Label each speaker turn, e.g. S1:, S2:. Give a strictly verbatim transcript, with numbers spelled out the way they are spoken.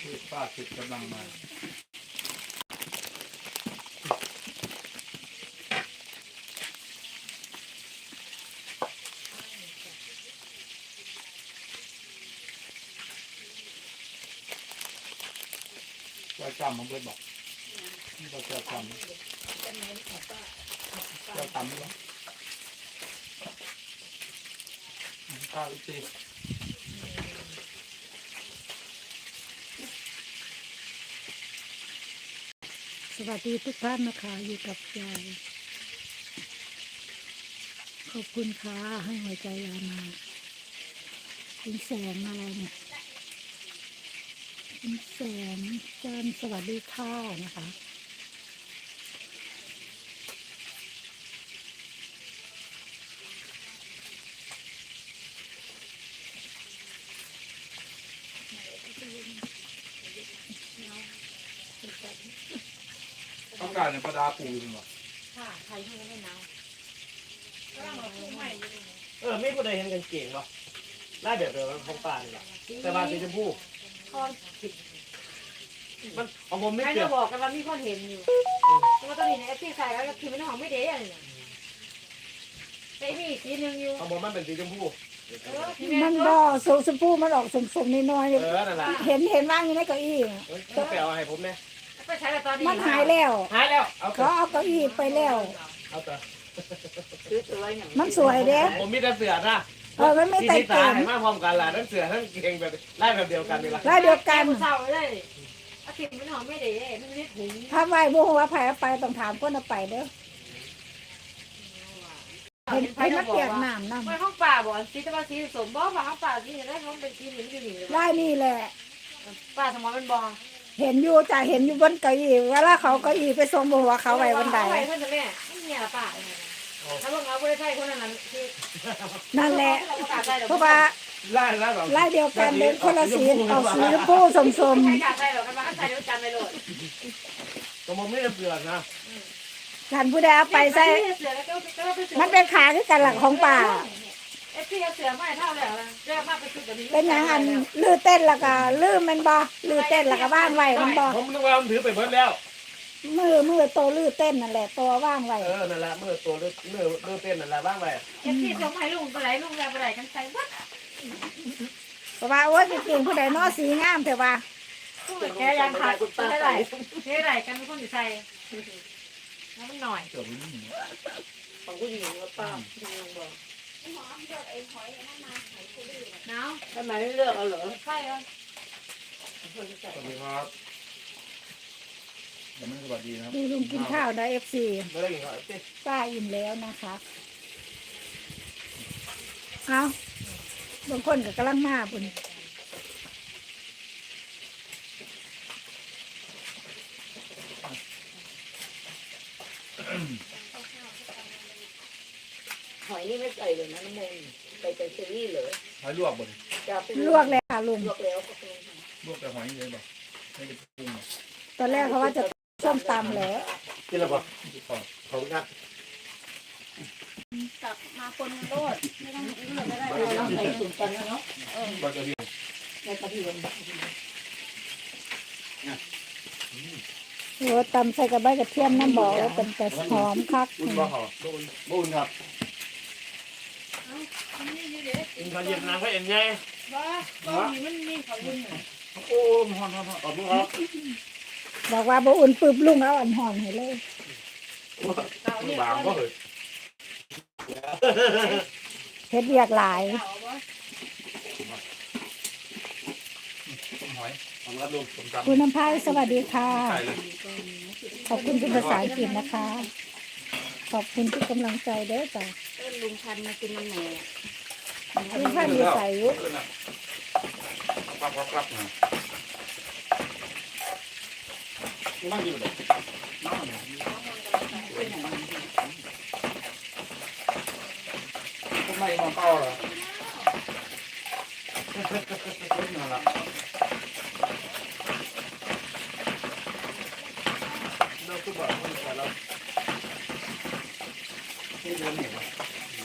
S1: คือป้าติดกำลังมาจะจำมันเลยบอกเราจะจำจะจำมั้ยข้าวอีกที
S2: สวัสดีทุกท่านนะคะอยู่กับยายขอบคุณค่ะให้หัวใจยายมาเป็นแสงอะไรเนี่ยเป็นแสงจันทร์สวัสดีค่ะนะคะ
S1: อากาศในประดาปูจริงหรอ
S3: ค่ะใครให้ไม่นาวก็ต้องเอาคู่ใหม่อยู่
S4: เออไม่คนใดเห็นกันเก่งหรอได้แบบเดียวกันของป่านี่แหละแต่ว่าสีชมพู
S3: คอนผิด
S4: มันของผมไม่
S3: ใคร
S4: เกี่ย
S3: จะ
S4: ว
S3: บอกกันว่ามีคนเห็นอยู่ว่าตอนนี้ในแอปที่ใส่แล้วคือไม่ได้หอมไม่เด้อะไรเนี่ยแต่มีอีกทีนึงอยู่
S4: ของผมมันเป็นสีชมพู
S3: เออที่
S2: มั
S3: แม่
S2: น
S3: ก็
S2: บ่สมสมพูมันออกสมสมนิดหน่อย
S4: เออนั่นแหละ
S2: เห็นเห็นว่างอยู่ในเก้าอี้
S4: เออต้องไปเอาให้ผมเนี่ย
S3: ไปใช้แล้วตอนนี้
S2: มันหายแล้ว
S4: หายแล้วเอา
S2: เขาเอาเก้าอี้ไปแล้ว
S4: เอาแต่
S3: ซื้อตัวอย่าง
S2: มันสวยเด้
S4: ผมมีแต่เสือนะ
S2: เออมันไม่
S4: ที่
S2: แต่
S4: ที่ตา
S2: เต็ม
S4: ให้มาพร้อมกันล่ะทั้งเสือทั้งเก่งแบบไล่แบบเดียวกันนี่แหละ
S2: แล้วเดียวกัน
S3: เศร้าเลยอาทิตย์ไม่หอมไม่เด้มันไม่ถุง
S2: ถ้าไหวบุ้งว่าไผเอาไปต้องถามคนเอาไปเด้อเห็นเห็นมันเปียกน้ำน้
S3: ไม่ห้องป่าบอกสีตะวันสีสมบอกว่าห้องป่าสีได้ห้องเป็นสีหนึ่งอยู่นี่เลย
S2: ำได้นี่แหละ
S3: ป่าสมองเป็นบอง
S2: เห็นอยู่จะเห็นอยู่บนเก้าอี้เวลาเขาเก้าอี้ไปส่งบนหัวเขาไว้บนใด
S3: ไว้เพื่อนจะแม่ไม่มีอะไรป่าถ้าลงเอาไปใช่คนนั้นคือ
S2: นั่นแหละเพราะว่า
S4: ไล่แล้วแบบ
S2: ลายเดียวกันเป็นคนละสีเอาสีชมพูสมสม
S3: ใครกล้าใส่หรอกกันว่าใส่เดี๋ยวจำไปเลย
S4: ของผมไม่ได้เสือนะ
S2: ท่านผู้ใดเอาไปใส่มันเป็นขาคือกันหลักของป่า
S3: เอฟซีเสือไม่เท่าแล้วเรียกมากไปสุดแบบนี้
S2: เป็นอย่างอันลื้อเต้นแล้วก็ลื้อมันบ่ลื้อเต้นแล้วก็ว่างไว้มันบ่
S4: ผมนึกว่ามันถือไปเบิดแล้ว
S2: มือมือโตลื้อเต้นนั่นแหละตัวว่างไว้
S4: เออนั่นแหละเมื่อตัวเลือดเลือดเลือดเต้นนั่นแหละบ้างไป
S3: เอฟซีส่งให้ลุงไปไหนลุงแล้วไปไหนกันใส่วัด
S2: เพราะว่าโอ้ยเก่งผู้ใดเนาะสีงามแต่ว่า
S3: แกยังขาดแค่ไหนแค่ไหนกันเป็นคนอยู่ใส่แล้วมันหน่อย
S1: เกิดไม่ได้
S3: ของผู้หญิงหรือเปล่าหนาว
S5: ทำไมไม่เลือกเอาเหรอ
S3: ใช่เหรอ
S1: สวัสดีครับยังไม่สวัสดีนะครับ
S2: ดูลุงกินข้าวนะเอฟซี
S4: ไม่ได้กินข้าวเต้
S2: ป้าอิ่มแล้วนะคะเอาบางคนก็กำลังมาปุ่น
S5: หอยนี่ไม่ใส่เลยนะน้ำมันใส่แต่เชอรี่เหรอ
S1: หอยลวกบน
S5: จะเป็น
S2: ลวกเลยค่ะลุง
S5: ลวกแล้วก็เป็น
S1: ลวกแต่หอยเลยบอกไม่ได้ปรุงหรอก
S2: ตอนแรกเขาว่าจะส้มตำแหล้ว
S4: กินแล้วป่ะ
S1: ไม่พอ
S4: ขอบคุณครับ
S3: กลับมาคนโลดไม่ต้องเลือกไม่ได้
S5: เราใส่สุ่มกันแล้วเนาะ
S1: บะกระเทียม
S5: ในกระเทียม
S2: โอ้ตำใส่กระใบกระเทียมน้ำบอกว่าเป็นแต่หอมคัก
S1: บุญบ่หอบุญบุญครับ
S4: กินข้าวเย็นน้ำก็เอ็นไง
S3: ว่าก็มีมันมีเขาบุญ
S1: โอ้หอนหอนหอน
S4: ขอบคุณครับ
S2: บอกว่าบ่อุ่นปึบลุงเอาอันหอนให้เลย
S4: บางก็เหย
S2: เฮ็ดเวียกหลาย
S1: หอย
S4: ขอบคุณครับลุง
S1: ผมจำ
S2: คุณน้ำพายสวัสดีค่ะ
S1: ใส่เลย
S2: ขอบคุณเป็นภาษาอังกฤษนะคะ ขอบคุณทุกกำลังใจเด้อจ้ะ
S3: ต้นลุงพันมากินมันแหน่
S2: ลุงพันอยู่ใส่อยู่
S1: ครับครับครับนะนั่งกินเลยนั่งทำไมมองเป้าล่ะนั่นแหละ
S4: เราคือบอกคนแต่เรา
S1: ที่เดินเห็น